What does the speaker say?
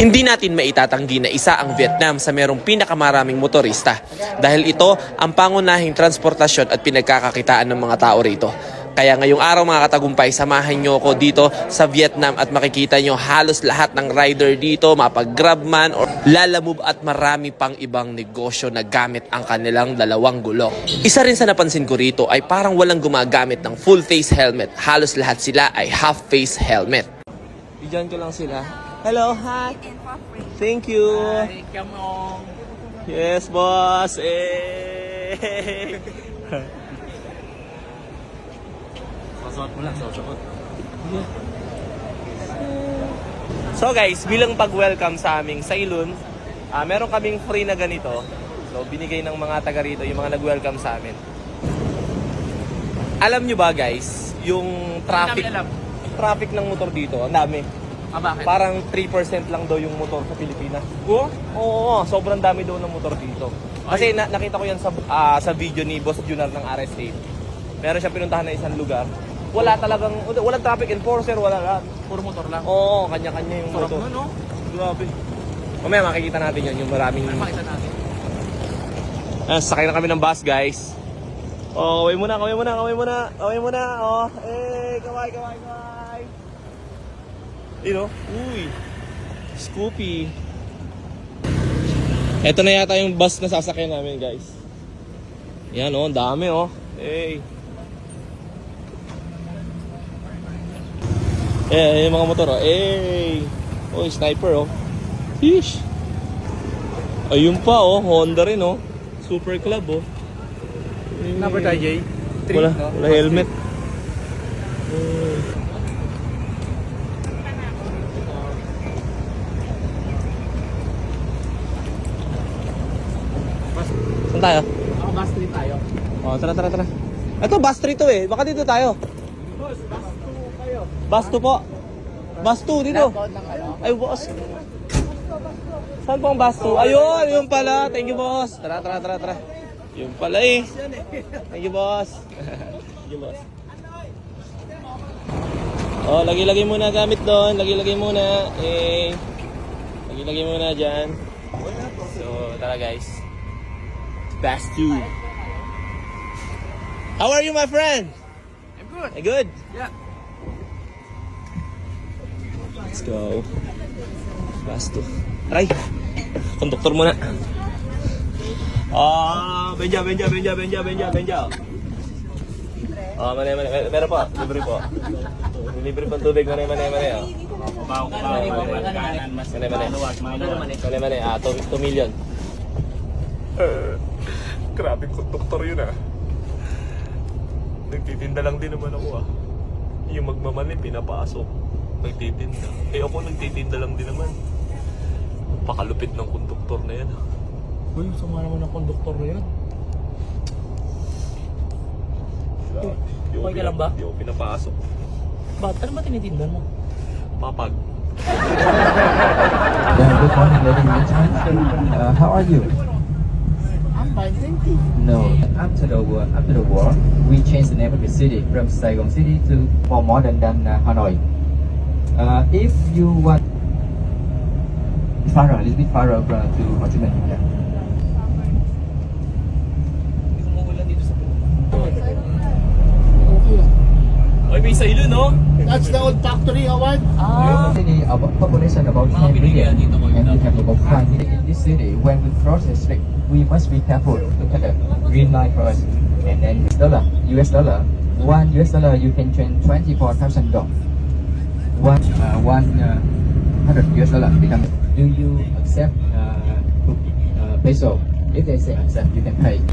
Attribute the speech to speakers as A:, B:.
A: Hindi natin maitatanggi na isa ang Vietnam sa merong pinakamaraming motorista dahil ito ang pangunahing transportasyon at pinagkakakitaan ng mga tao rito. Kaya ngayong araw mga katagumpay, samahan nyo ako dito sa Vietnam at makikita nyo halos lahat ng rider dito, mapag-grab man or lalamove at marami pang ibang negosyo na gamit ang kanilang dalawang gulong. Isa rin sa napansin ko rito ay parang walang gumagamit ng full face helmet. Halos lahat sila ay half face helmet. Diyan ko lang sila. Hello, hi. Thank you.
B: Hi, come on.
A: Yes, boss. Eh.
B: Sasuot mo lang, sasuot.
A: So guys, bilang pag-welcome sa aming Sailun, meron kaming free na ganito. So binigay ng mga taga rito, yung mga nag-welcome sa amin. Alam nyo ba guys, yung traffic ng motor dito, ang dami.
B: Bakit?
A: Parang 3% lang daw yung motor sa Pilipinas. Oo, sobrang dami daw ng motor dito. Kasi nakita ko yan sa video ni Boss Junar ng RS8. Meron siya pinuntahan na isang lugar. Walang traffic enforcer, wala lahat.
B: Puro motor lang.
A: Oo, kanya-kanya yung
B: Sarap
A: motor.
B: mo, no?
A: Grabe. Mamaya makikita natin yan, yung maraming...
B: Makita natin.
A: Sakay na kami ng bus, guys. Oh, kaway muna. Oh, kaway. You know? Uy. Scoopy. Ito na yata yung bus na sasakyan namin, guys. Yan, oh, dami, oh. Hey. Yung mga motor, oh. Hey. Oh, sniper, oh. Fish. Ayun pa, oh. Honda rin, oh. Super Club, oh.
B: Number tayo, Jay?
A: Wala helmet. Saan tayo?
B: Ako, bus 3 tayo.
A: Oh, tara. Ito, bus 3 to eh. Baka dito tayo.
B: Boss, bus 2 kayo.
A: Bus 2 po. Bus 2 dito. Ay, boss. Saan po ang bus 2? Ayun, yun pala. Thank you, boss. Tara. Yun pala eh. Thank you, boss. Thank you, boss. Oh, lagi-lagay muna gamit doon. Lagi-lagay muna. Lagi-lagay muna dyan. So, tara guys. Bus 2. How are you, my friend?
B: I'm good.
A: Good?
B: Yeah.
A: Let's go. Bus 2. Aray! Konduktor muna. Benja. Mane. Meron po. Libre po. Libre pang tubig. Mane. Mane. 2 million. Grabe konduktor yun ah. Nagtitinda lang din naman ako ah. Yung magmamali, pinapasok. Nagtitinda. Ako nagtitinda lang din naman. Pakalupit ng konduktor na yan ah.
B: Uy, sama naman ng konduktor na yan. Okay ka lang ba?
A: Di ako pinapasok.
B: Bakit? Ano ba tinitindan mo?
A: Papag.
C: Good morning, ladies and gentlemen. How are you?
B: I'm fine, thank you.
C: No. After the war, we changed the name of the city from Saigon City to more modern than Hanoi. If you want a little bit farther to Ho Chi Minh. Yeah.
A: Ay, may Sailun, no?
B: That's the old factory, Howard.
C: City about population about 10 million, and we have about 5 million in this city. When we cross the street, we must be careful. Look at the green light first, and then US dollar. $1 you can change $24,000. $100 become. Do you accept peso? If they say accept, you can pay.